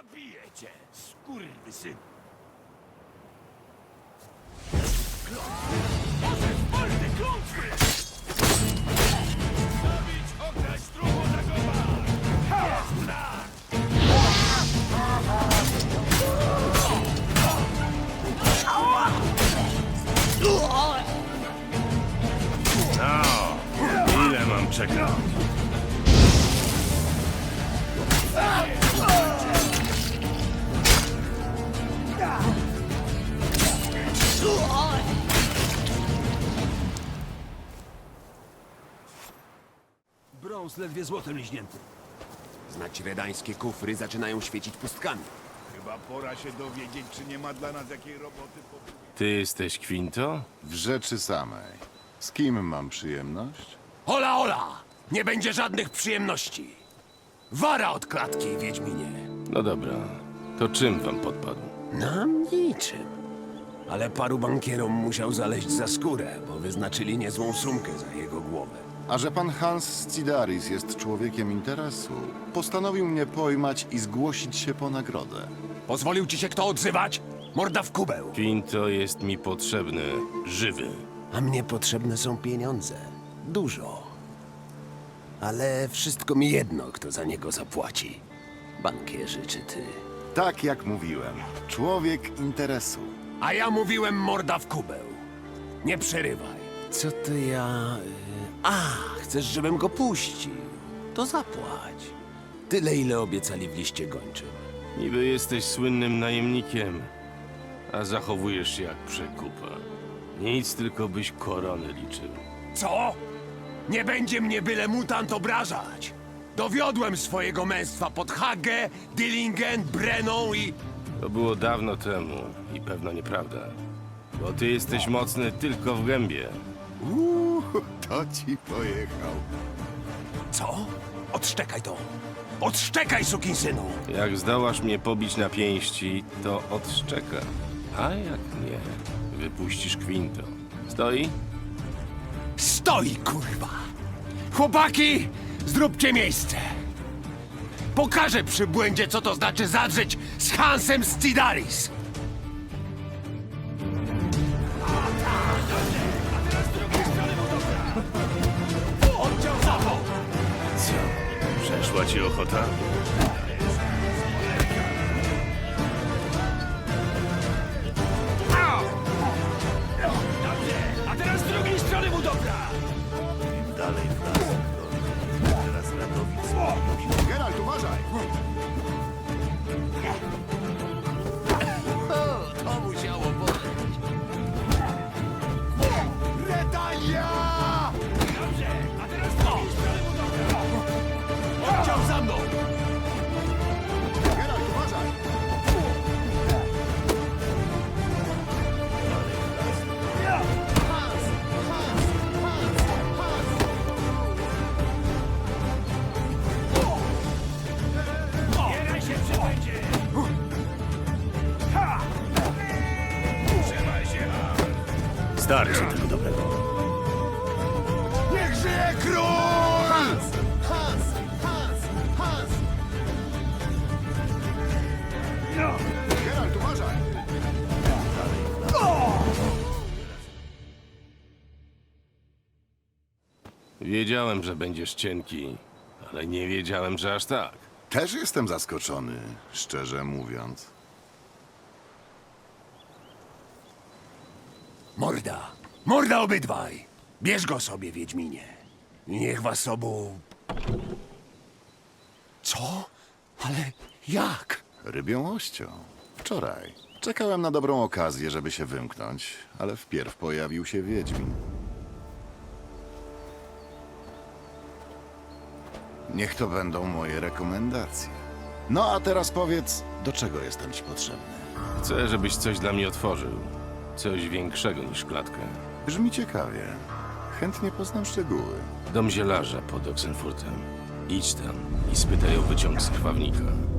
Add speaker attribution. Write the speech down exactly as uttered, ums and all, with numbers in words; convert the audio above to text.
Speaker 1: Zabiję cię, skurwysyn! Może wolny klątwy! Zabić, okraść, truchło zachować! Jest tak! No, ile mam czekać?
Speaker 2: Brąz ledwie złotem liźnięty.
Speaker 3: Znać redańskie kufry zaczynają świecić pustkami.
Speaker 1: Chyba pora się dowiedzieć, czy nie ma dla nas jakiej roboty po...
Speaker 4: Ty jesteś Quinto?
Speaker 5: W rzeczy samej. Z kim mam przyjemność?
Speaker 3: Hola, hola! Nie będzie żadnych przyjemności. Wara od klatki, Wiedźminie.
Speaker 4: No dobra, to czym wam podpadł?
Speaker 3: Nam niczym. Ale paru bankierom musiał zaleźć za skórę, bo wyznaczyli niezłą sumkę za jego głowę.
Speaker 5: A że pan Hans Scidaris jest człowiekiem interesu, postanowił mnie pojmać i zgłosić się po nagrodę.
Speaker 3: Pozwolił ci się kto odzywać? Morda w kubeł.
Speaker 4: Quinto jest mi potrzebny, żywy.
Speaker 3: A mnie potrzebne są pieniądze. Dużo. Ale wszystko mi jedno, kto za niego zapłaci. Bankierzy czy ty.
Speaker 5: Tak jak mówiłem, człowiek interesu.
Speaker 3: A ja mówiłem morda w kubeł. Nie przerywaj. Co to ja... y, A, chcesz, żebym go puścił? To zapłać. Tyle, ile obiecali w liście gończym.
Speaker 4: Niby jesteś słynnym najemnikiem, a zachowujesz się jak przekupa. Nic, tylko byś korony liczył.
Speaker 3: Co? Nie będzie mnie byle mutant obrażać. Dowiodłem swojego męstwa pod Hagę, Dillingen, Brenną i...
Speaker 4: To było dawno temu i pewno nieprawda. Bo ty jesteś mocny tylko w gębie.
Speaker 5: Uuu, to ci pojechał.
Speaker 3: Co? Odszczekaj to. Odszczekaj, sukinsynu.
Speaker 4: Jak zdołasz mnie pobić na pięści, to odszczeka. A jak nie, wypuścisz Quinto. Stoi?
Speaker 3: Stoi, kurwa! Chłopaki, zróbcie miejsce! Pokażę przybłędzie, co to znaczy zadrzeć z Hansem Scidaris!
Speaker 1: Oddział zapo!
Speaker 4: Co? Przeszła ci ochota?
Speaker 1: Dobrze, a teraz z drugiej strony mu dobra! Im dalej w las, to teraz Radowic.
Speaker 5: Geralt, uważaj!
Speaker 3: To musiało boleć.
Speaker 5: Redania!
Speaker 1: Dobrze, a teraz z drugiej strony mu dobra! Oddział za mną!
Speaker 5: Geralt, uważaj!
Speaker 1: Bieraj się, przybędzie! Ha! Trzymaj się!
Speaker 4: Starczy tego dobrego.
Speaker 5: Niech żyje król! Hans! Hans! Hans! Hans!
Speaker 1: No!
Speaker 5: Geralt, uważaj!
Speaker 4: Wiedziałem, że będziesz cienki, ale nie wiedziałem, że aż tak.
Speaker 5: Też jestem zaskoczony, szczerze mówiąc.
Speaker 3: Morda! Morda obydwaj! Bierz go sobie, Wiedźminie. I niech was obu... Co? Ale jak?
Speaker 5: Rybią ością. Wczoraj. Czekałem na dobrą okazję, żeby się wymknąć, ale wpierw pojawił się Wiedźmin. Niech to będą moje rekomendacje. No a teraz powiedz, do czego jestem ci potrzebny?
Speaker 4: Chcę, żebyś coś dla mnie otworzył. Coś większego niż klatkę.
Speaker 5: Brzmi ciekawie. Chętnie poznam szczegóły.
Speaker 4: Dom zielarza pod Oxenfurtem. Idź tam i spytaj o wyciąg z krwawnika.